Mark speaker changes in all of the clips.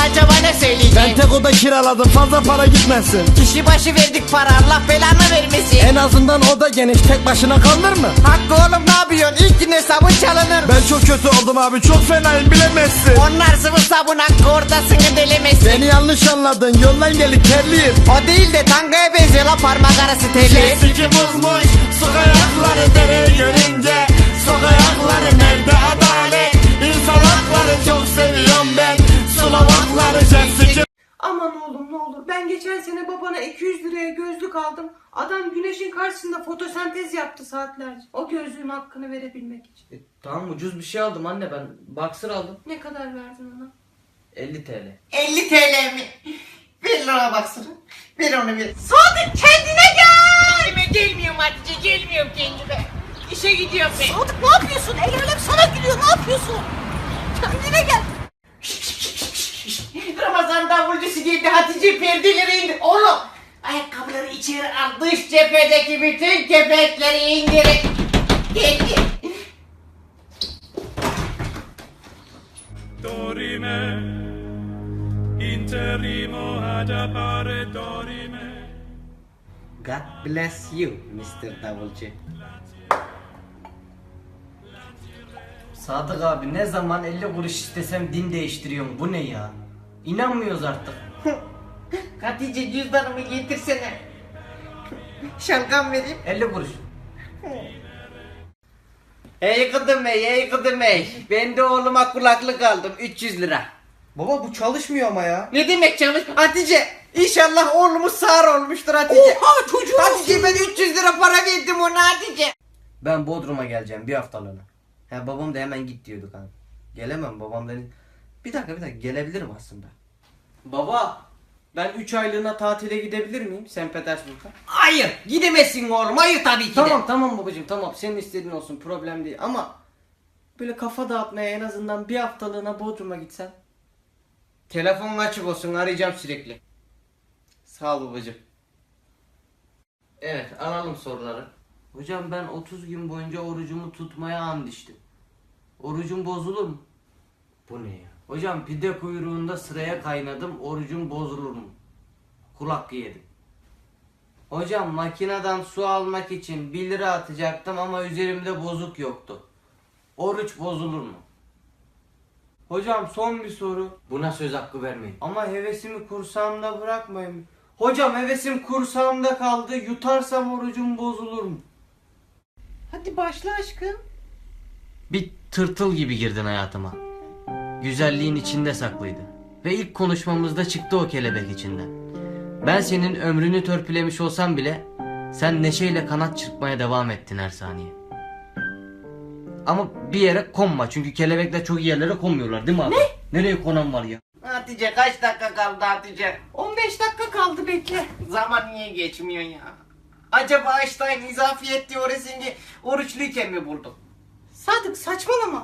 Speaker 1: acaba ne söyleyecek?
Speaker 2: Ben tek oda kiraladım, fazla para gitmesin.
Speaker 1: Kişi başı verdik para, Allah belanı vermesin.
Speaker 2: En azından oda geniş, tek başına kalır mı?
Speaker 1: Hakkı oğlum ne yapıyorsun? İlk gün hesabın çalınır.
Speaker 2: Ben çok kötü oldum abi, çok fenayım, bilemezsin.
Speaker 1: Onlar sıvı sabun, Hakkı ortasını delemezsin.
Speaker 2: Beni yanlış anladın, yoldan gelip terliyim.
Speaker 1: O değil de tangaya benziyor la, parmak arası telli.
Speaker 2: Sesi bozmuş, sokakları dereye görünce. Sokakları nerede adalet? İnsan hakları çok seviyorum ben. Slovakları Jessica.
Speaker 3: Aman oğlum ne olur, ben geçen sene babana 200 liraya gözlük aldım. Adam güneşin karşısında fotosentez yaptı saatlerce. O gözlüğün hakkını verebilmek için.
Speaker 4: Tamam, ucuz bir şey aldım anne, ben boxer aldım.
Speaker 3: Ne kadar verdin ona?
Speaker 4: 50 TL.
Speaker 1: 50 TL mi? Ver lira baksana. Ver onu ver. Sadık kendine gel. Kendime gelmiyorum Hatice, gelmiyorum kendime. İşe gidiyorum ben.
Speaker 5: Sadık ne yapıyorsun? El alem sana gülüyor, ne yapıyorsun? Kendine gel.
Speaker 1: Ramazan davulcusu geldi, Hatice perdeleri indir. Oğlum ayakkabıları içeri al, dış cephedeki bütün kepekleri indirin. Geldi.
Speaker 6: Dorime, interimo ad appare dorime.
Speaker 4: God bless you Mr. Davulcu. Sadık abi, ne zaman 50 kuruş istesem din değiştiriyorum, bu ne ya? İnanmıyoruz artık.
Speaker 1: Hatice cüzdanımı getirsene. Şalgam vereyim.
Speaker 4: 50 kuruş.
Speaker 1: Ey kıdım ey. Ben de oğluma kulaklık aldım, 300 lira.
Speaker 4: Baba bu çalışmıyor ama ya.
Speaker 1: Ne demek çalış? Hatice İnşallah oğlumuz sağır olmuştur Hatice.
Speaker 5: Oha çocuğum.
Speaker 1: Hatice ben 300 lira para verdim ona Hatice.
Speaker 4: Ben Bodrum'a geleceğim bir haftalığına. He, babam da hemen git diyordu kanka. Gelemem, babam dedi. Bir dakika gelebilirim aslında. Baba, ben 3 aylığına tatile gidebilir miyim St. Petersburg'a?
Speaker 1: Hayır gidemezsin oğlum, hayır tabii ki de.
Speaker 4: Tamam babacığım, tamam, senin istediğin olsun, problem değil ama böyle kafa dağıtmaya en azından bir haftalığına Bodrum'a gitsen.
Speaker 1: Telefonun açık olsun, arayacağım sürekli.
Speaker 4: Sağ ol babacığım. Evet, alalım soruları. Hocam ben 30 gün boyunca orucumu tutmaya and içtim. Orucum bozulur mu? Bu ne ya? Hocam pide kuyruğunda sıraya kaynadım, orucum bozulur mu? Kul hakkı yedim. Hocam makineden su almak için 1 lira atacaktım ama üzerimde bozuk yoktu. Oruç bozulur mu? Hocam son bir soru. Buna söz hakkı vermeyin. Ama hevesimi kursağımda bırakmayın. Hocam hevesim kursağımda kaldı. Yutarsam orucum bozulur mu?
Speaker 3: Hadi başla aşkım.
Speaker 4: Bir tırtıl gibi girdin hayatıma. Güzelliğin içinde saklıydı. Ve ilk konuşmamızda çıktı o kelebek içinden. Ben senin ömrünü törpülemiş olsam bile sen neşeyle kanat çırpmaya devam ettin her saniye. Ama bir yere konma, çünkü kelebekler çok iyi yerlere konmuyorlar değil mi abi? Ne? Nereye konan var ya?
Speaker 1: Hatice kaç dakika kaldı Hatice?
Speaker 3: 15 dakika kaldı, bekle.
Speaker 1: Zaman niye geçmiyor ya? Acaba Einstein izafiyet teorisini oruçluyken mi bulduk?
Speaker 3: Sadık saçmalama.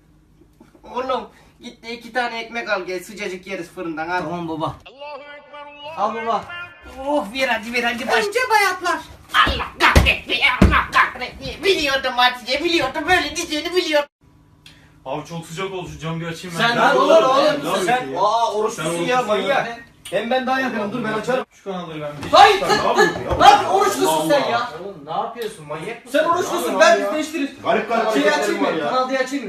Speaker 1: Oğlum git de 2 tane ekmek al gel, sıcacık yeriz fırından al.
Speaker 4: Tamam baba. Al baba.
Speaker 1: Oh ver hadi baş.
Speaker 3: Önce bayatlar.
Speaker 1: Allah kahretme, Allah kahretme. Biliyordum Hatice, biliyordum, böyle diyeceğini biliyordum.
Speaker 6: Abi çok sıcak oldu, şu camı bir açayım
Speaker 4: Sen
Speaker 6: ben.
Speaker 4: olur
Speaker 6: Sen
Speaker 4: oruçlusun ya manyak. Hem ben daha yakınım, dur ben açarım.
Speaker 6: Şu kanalı ben bir...
Speaker 4: Hayır,
Speaker 6: Sen ne yapıyorsun ya?
Speaker 4: Ne yapıyorsun, oruçlusun sen ya? Oğlum ne yapıyorsun, manyak mısın? Sen oruçlusun, ben biz değiştiririz.
Speaker 6: Garip garip
Speaker 4: Şeyi
Speaker 6: hareketlerim
Speaker 4: açayım
Speaker 6: var
Speaker 4: mı?
Speaker 6: ya.
Speaker 4: Kanal diye açayım mı?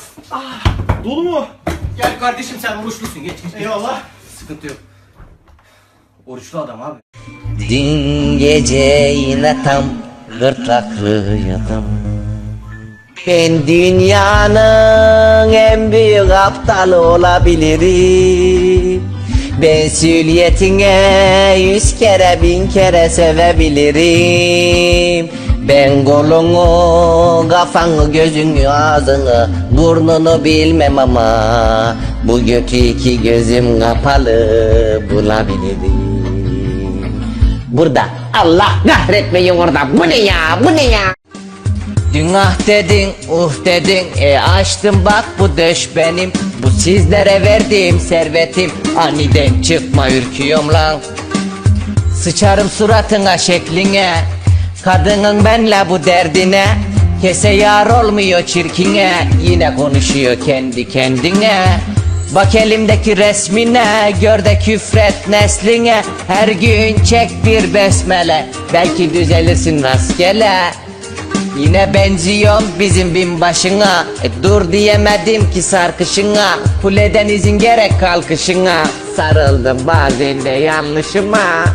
Speaker 6: Dolu mu?
Speaker 4: Gel kardeşim, sen oruçlusun, geç.
Speaker 6: Eyvallah.
Speaker 4: Sıkıntı yok. Oruçlu adam abi.
Speaker 7: Dün gece yine tam gırtlaklıydım. Ben dünyanın en büyük aptalı olabilirim. Mesuliyetine 100 kere 1000 kere sevebilirim. Ben kolunu, kafanı, gözünü, ağzını, burnunu bilmem ama bu götü 2 gözüm kapalı bulabilirim. Burada Allah kahretmeyin orada, bu ne ya, bu ne ya? Dün ah dedin, dedin, açtım bak bu döş benim. Bu sizlere verdiğim servetim, aniden çıkma ürküyorum lan. Sıçarım suratına şekline, kadının benle bu derdine. Kese yar olmuyor çirkine, yine konuşuyor kendi kendine. Bak elimdeki resmine, gör de küfret nesline. Her gün çek bir besmele, belki düzelirsin rastgele. Yine benziyorum bizim binbaşına, dur diyemedim ki sarkışına. Kuleden izin gerek kalkışına, sarıldım bazen de yanlışıma.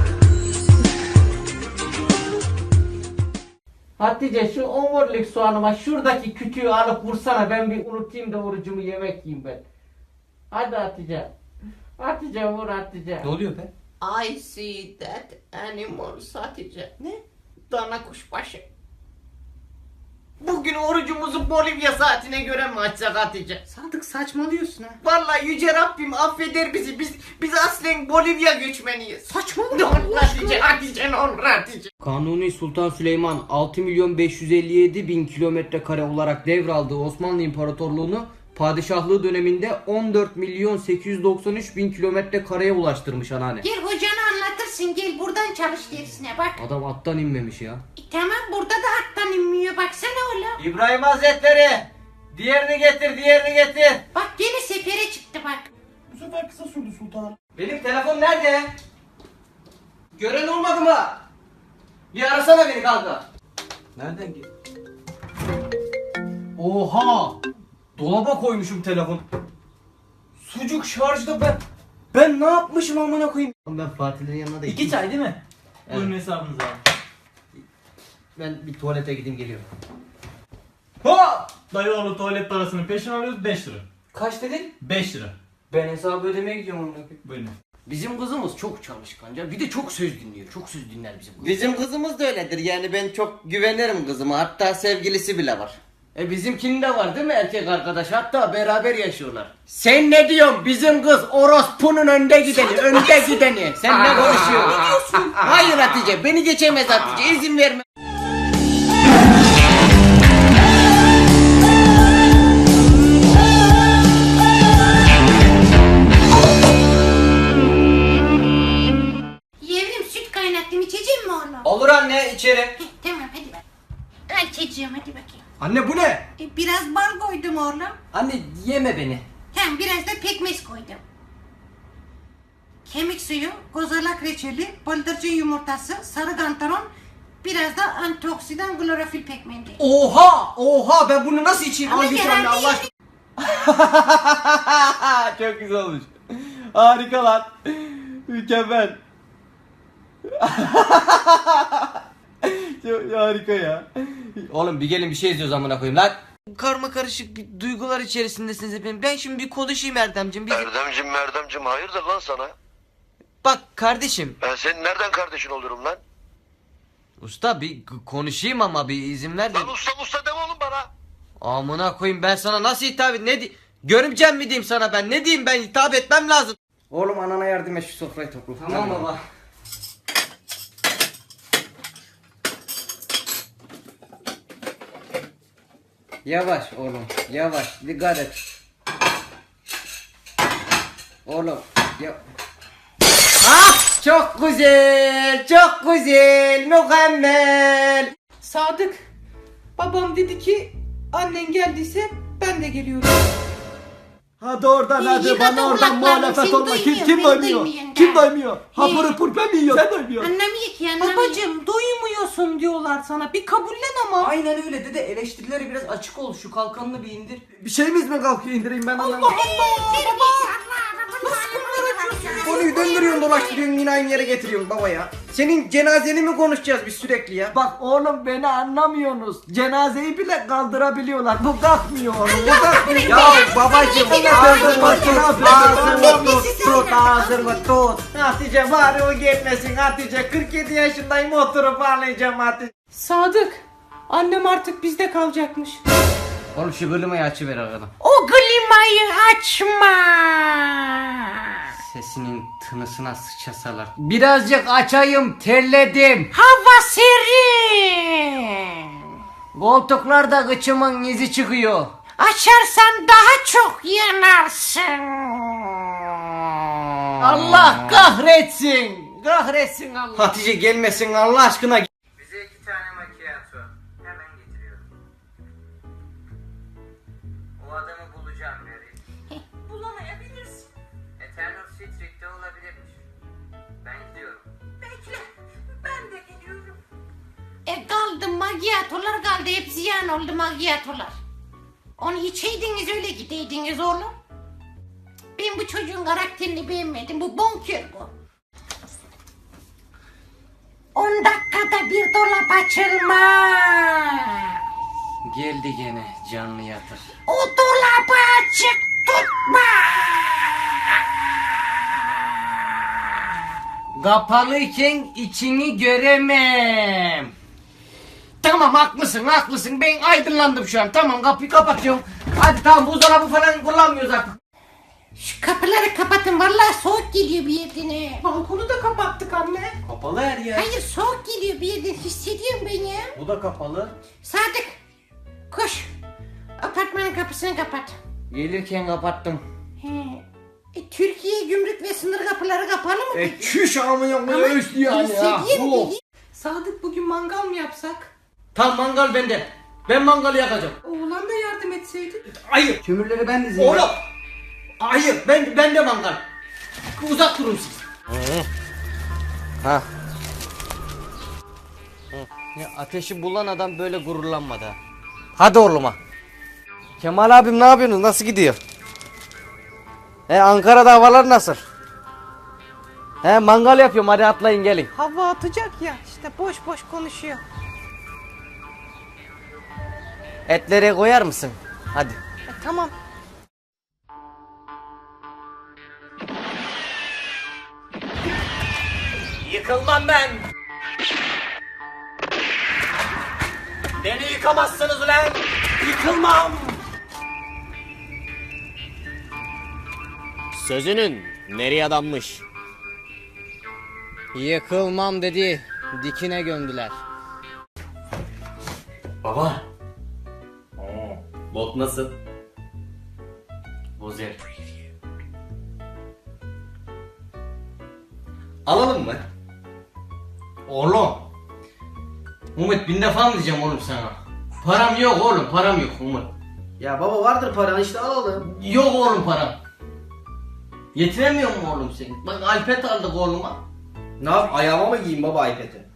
Speaker 4: Hatice şu omurilik soğanıma şuradaki kütüğü alıp vursana, ben bir unutayım da orucumu yemek yiyeyim ben. Hadi Hatice. Hatice vur Hatice.
Speaker 6: Ne oluyor be?
Speaker 1: I see that animal Hatice. Ne? Dana kuşbaşı. Bugün orucumuzu Bolivya saatine göre mi açsak Hatice?
Speaker 3: Sadık saçmalıyorsun ha.
Speaker 1: Vallahi yüce Rabbim affeder bizi. Biz aslen Bolivya göçmeniyiz.
Speaker 3: Saçmalama.
Speaker 1: Ne olur Hatice, Hatice ne olur Hatice.
Speaker 4: Kanuni Sultan Süleyman 6.557.000 kilometre kare olarak devraldığı Osmanlı İmparatorluğunu padişahlığı döneminde 14.893.000 kilometre kareye ulaştırmış anneanne.
Speaker 5: Gel hocanı anlatırsın, gel buradan çalış dersine bak.
Speaker 4: Adam attan inmemiş ya.
Speaker 5: Tamam, burada da attan inmiyor, baksana oğlum.
Speaker 4: İbrahim Hazretleri, diğerini getir.
Speaker 5: Bak gene sefere çıktı bak.
Speaker 6: Bu sefer kısa sürdü sultanım.
Speaker 4: Benim telefon nerede? Gören olmadı mı? Bir arasana beni kanka.
Speaker 6: Nereden gel?
Speaker 4: Oha! Dolaba koymuşum telefon. Sucuk şarjda ben ne yapmışım amına koyayım? Ben Fatih'lerin yanına da
Speaker 6: 2 çay değil mi?
Speaker 4: Evet.
Speaker 6: Buyurun hesabınızı abi.
Speaker 4: Ben bir tuvalete gideyim geliyorum.
Speaker 6: Ha! Dayıoğlu tuvalet parasını peşin alıyoruz 5 lira.
Speaker 4: Kaç dedin?
Speaker 6: 5 lira.
Speaker 4: Ben hesabı ödemeye gidiyorum amına koyayım.
Speaker 6: Buyurun.
Speaker 4: Bizim kızımız çok çalışkanca, bir de çok söz dinliyor. Çok söz dinler bizim kız.
Speaker 7: Bizim kızımız da öyledir, yani ben çok güvenirim kızıma, hatta sevgilisi bile var.
Speaker 4: Bizimkinin de var değil mi erkek arkadaş? Hatta beraber yaşıyorlar.
Speaker 7: Sen ne diyorsun? Bizim kız orospunun önde gideni, önde gideni. Sen ne konuşuyorsun? Ne diyorsun? Hayır Hatice, beni geçemez Hatice, izin verme.
Speaker 5: Yevrim, süt kaynattım, içecek mi oğlum?
Speaker 4: Olur anne, içeri.
Speaker 5: Heh, tamam hadi bak. Al çocuğum, hadi bakayım.
Speaker 4: Anne bu ne?
Speaker 5: Biraz bal koydum oğlum.
Speaker 4: Anne yeme beni.
Speaker 5: Hem biraz da pekmez koydum. Kemik suyu, kozalak reçeli, bıldırcın yumurtası, sarı kantaron, biraz da antioksidan klorofil pekmezi.
Speaker 4: Oha ben bunu nasıl içeyim?
Speaker 5: Ama
Speaker 4: Al götür anne
Speaker 5: herhalde
Speaker 4: Allah aşkına. Çok güzel olmuş. Harika lan. Mükemmel. Çok harika ya. Oğlum bir gelin bir şey izliyoruz amına koyayım lan. Karma karışık bir duygular içerisindesiniz hepiniz. Ben şimdi bir konuşayım Erdemciğim.
Speaker 8: Erdemcim hayırdır lan sana?
Speaker 4: Bak kardeşim.
Speaker 8: Ben senin nereden kardeşin olurum lan?
Speaker 4: Usta bir konuşayım ama bir izin ver de.
Speaker 8: Lan usta deme oğlum bana.
Speaker 4: Amına koyayım ben sana nasıl hitap edeyim? Ne görümcem mi diyeyim sana ben? Ne diyeyim ben hitap etmem lazım. Oğlum anana yardım et şu sofrayı topla. Tamam baba. Yavaş oğlum yavaş dikkat et. Oğlum ya. Ah çok güzel mükemmel.
Speaker 3: Sadık, babam dedi ki annen geldiyse ben de geliyorum.
Speaker 2: Hadi oradan hadi
Speaker 5: yıkadım
Speaker 2: bana oradan
Speaker 5: kulaklarını,
Speaker 2: muhalefet
Speaker 5: seni
Speaker 2: olma. Kim
Speaker 5: duymuyorum, beni
Speaker 2: doymuyor?
Speaker 5: duymuyorsun
Speaker 2: Kim
Speaker 5: da.
Speaker 2: doymuyor? Hapırı pur ben mi yiyorum? Sen doymuyorsun.
Speaker 5: Anlamıyor ki anlamıyor.
Speaker 3: Babacım duymuyorsun diyorlar sana, bir kabullen ama.
Speaker 4: Aynen öyle dede eleştirilere biraz açık ol şu kalkanını bir indir.
Speaker 2: Bir şeyimiz mi kalkıyor indireyim ben anlamadım.
Speaker 4: Konuyu döndürüyorsun dolaştırıyorsun yine aynı yere getiriyorsun baba ya. Senin cenazeni mi konuşacağız biz sürekli ya?
Speaker 2: Bak oğlum beni anlamıyorsunuz. Cenazeyi bile kaldırabiliyorlar. Bu kalkmıyor oğlum. Bu kalkmıyor.
Speaker 4: Ya babacım ağzını tut. Hatice bari o gelmesin Hatice 47 yaşındayım oturup ağlayacağım Hatice.
Speaker 3: Sadık, annem artık bizde kalacakmış.
Speaker 4: Oğlum şu klimayı açıver arkadan.
Speaker 5: O klimayı açma.
Speaker 4: Sesinin tınısına sıçasalar. Birazcık açayım terledim.
Speaker 5: Hava serin.
Speaker 4: Koltuklarda gıçımın izi çıkıyor.
Speaker 5: Açarsan daha çok yanarsın.
Speaker 4: Allah kahretsin. Kahretsin Allah. Hatice gelmesin Allah aşkına. Bize 2 tane macchiato. Hemen getiriyorum. O adamı bulacağım Mary.
Speaker 5: Bulamayabilirsin. Macchiatolar kaldı. Hep ziyan oldu macchiatolar. Onu içeydiniz öyle gideydiniz oğlum. Ben bu çocuğun karakterini beğenmedim. Bu bonkör bu. 10 dakikada bir dolap açılma.
Speaker 4: Geldi gene canlı yatır.
Speaker 5: O dolabı açık tutma.
Speaker 4: Kapalıyken içini göremem. Tamam haklısın ben aydınlandım şu an. Tamam kapıyı kapatıyorum. Hadi tamam buzdolabı falan kullanmıyoruz artık.
Speaker 5: Şu kapıları kapatın. Vallahi soğuk geliyor bir yerden.
Speaker 3: Balkonu da kapattık anne.
Speaker 4: Kapalı her yer.
Speaker 5: Hayır soğuk geliyor bir yerden. Hissediyorum ben ya.
Speaker 4: Bu da kapalı.
Speaker 5: Sadık koş. Apartmanın kapısını kapat.
Speaker 4: Gelirken kapattım.
Speaker 5: He. Türkiye gümrük ve sınır kapıları kapalı mı?
Speaker 4: Çüş amına koyayım üstü yani ya.
Speaker 5: Hissediyorum.
Speaker 3: Sadık bugün mangal mı yapsak?
Speaker 4: Tam mangal bende. Ben mangalı yakacağım.
Speaker 3: Oğlan da yardım etseydi.
Speaker 4: Hayır.
Speaker 2: Kömürleri ben dizeyim.
Speaker 4: Oğlum. Hayır ben de mangal. Uzak durun siz. Ha. Ya ateşi bulan adam böyle gururlanmadı ha. Hadi oğluma. Kemal abim ne yapıyorsunuz? Nasıl gidiyor? Ankara'da havalar nasıl? Mangal yapıyorum hadi atlayın gelin.
Speaker 3: Hava atacak ya işte boş boş konuşuyor.
Speaker 4: Etleri koyar mısın? Hadi.
Speaker 3: Tamam.
Speaker 4: Yıkılmam ben. Beni yıkamazsınız ulan. Yıkılmam. Sözünün nereye adanmış? Yıkılmam dedi. Dikine gömdüler. Baba. Bot nasıl? Bozer. Alalım mı? Oğlum. Umut 1000 defa mı diyeceğim oğlum sana? Param yok oğlum param yok Umut.
Speaker 2: Ya baba vardır paran işte alalım.
Speaker 4: Yok oğlum param. Yetiremiyor mu oğlum sen? Bak iPad aldık oğluma.
Speaker 2: Ne yap ayağıma mı giyeyim baba iPad'i?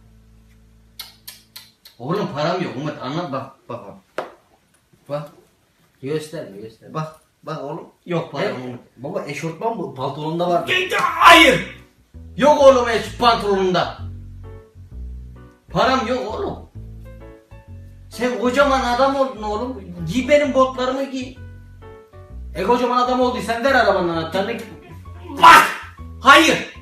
Speaker 4: Oğlum param yok Umut anlat bak. Bak.
Speaker 2: Gösterme gösterme. Bak oğlum.
Speaker 4: Yok param
Speaker 2: He?
Speaker 4: Umut.
Speaker 2: Baba eşortman bu pantolonunda var.
Speaker 4: Hayır. Yok oğlum hiç pantolonunda. Param yok oğlum. Sen kocaman adam oldun oğlum. Giy benim botlarımı giy. Kocaman adam olduysan ver arabanın anahtarını. Bak! Hayır!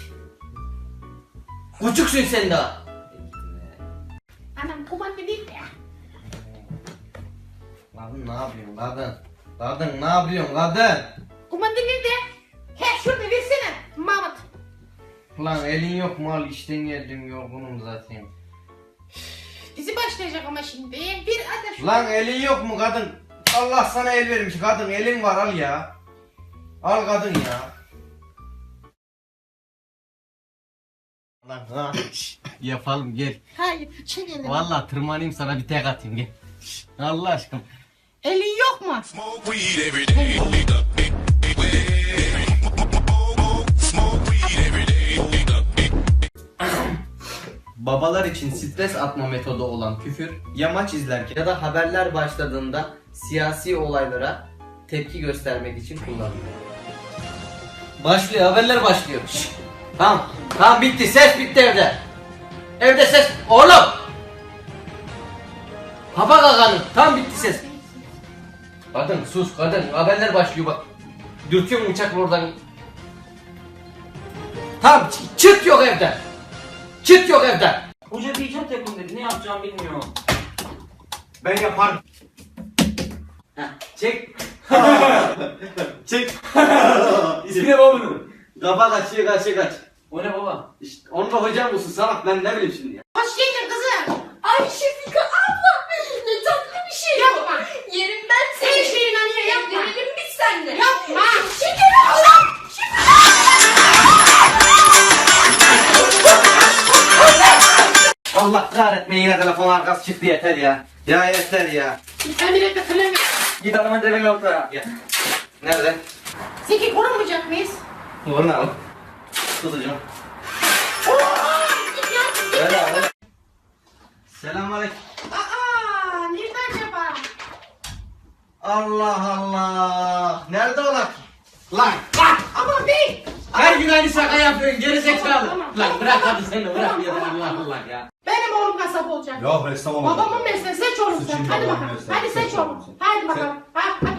Speaker 4: Küçüksün sen daha.
Speaker 5: Anam kumanda değil ya.
Speaker 4: Kadın ne yapıyorsun kadın? Kadın ne yapıyorsun kadın?
Speaker 5: Kumanda nerede? He şurada versene Mahmut.
Speaker 4: Lan elin yok mu al işten geldim yorgunum zaten.
Speaker 5: Dizi başlayacak ama şimdi. Bir ateş.
Speaker 4: Lan elin yok mu kadın? Allah sana el vermiş kadın elin var al ya. Al kadın ya. Lan ha. Yapalım gel.
Speaker 5: Hayır çekelim.
Speaker 4: Vallahi tırmanayım sana bir tek atayım gel. Allah aşkına.
Speaker 5: Elin yok mu?
Speaker 4: Babalar için stres atma metodu olan küfür ya maç izlerken ya da haberler başladığında siyasi olaylara tepki göstermek için kullanılıyor. Başlıyor haberler başlıyor. Şşş. Tamam bitti ses bitti evde. Evde ses oğlum. Kapak ağanın tam bitti ses. Kadın sus kadın haberler başlıyor bak. Dürtüyorum uçakla oradan. Tamam çıt yok evden. Çıt yok evden.
Speaker 2: Hoca bir icat yapın dedi. Ne yapacağımı bilmiyorum.
Speaker 4: Ben yaparım. Çek. Çek.
Speaker 2: İsmi ne babanın?
Speaker 4: Kafa kaç.
Speaker 2: O ne baba?
Speaker 4: İşte onu da hocam olsun salak ben ne bileyim şimdi ya.
Speaker 5: Hoş geldin kızım.
Speaker 9: Ay Şefika abla ne tatlı bir şey
Speaker 5: Yapma.
Speaker 9: Yerim ben seni.
Speaker 5: Her şeyin anıya yapma.
Speaker 9: Verelim biz seninle.
Speaker 5: Yapma.
Speaker 9: Şeker abla.
Speaker 4: Allah kahretmeyin yine telefon arkası çıktı yeter ya. Ya yeter ya.
Speaker 5: Emir'e fırın.
Speaker 4: Git adamın demin ortaya. Ya. Nerede?
Speaker 5: Zeki korunmayacak mıyız?
Speaker 4: Bunu al. Tutacağım. Selamünaleyküm.
Speaker 6: Allah Allah. Nerede ola ki?
Speaker 4: Lan
Speaker 3: Aman bey.
Speaker 4: her gün aynı şaka yapıyorsun gerizekalı.
Speaker 3: Tamam.
Speaker 4: Lan bırak hadi seni bırak ya Allah Allah ya.
Speaker 3: Benim oğlum kasap olacak.
Speaker 6: Yok ressam olacak.
Speaker 3: Babamın mesleği seç oğlum sen.
Speaker 6: Sıçayım
Speaker 3: Hadi
Speaker 6: babamın
Speaker 3: bakalım.
Speaker 6: mesleği.
Speaker 3: Hadi seç
Speaker 6: Seç
Speaker 3: oğlum.
Speaker 6: oğlum sen.
Speaker 3: Hadi bakalım. Ha, hadi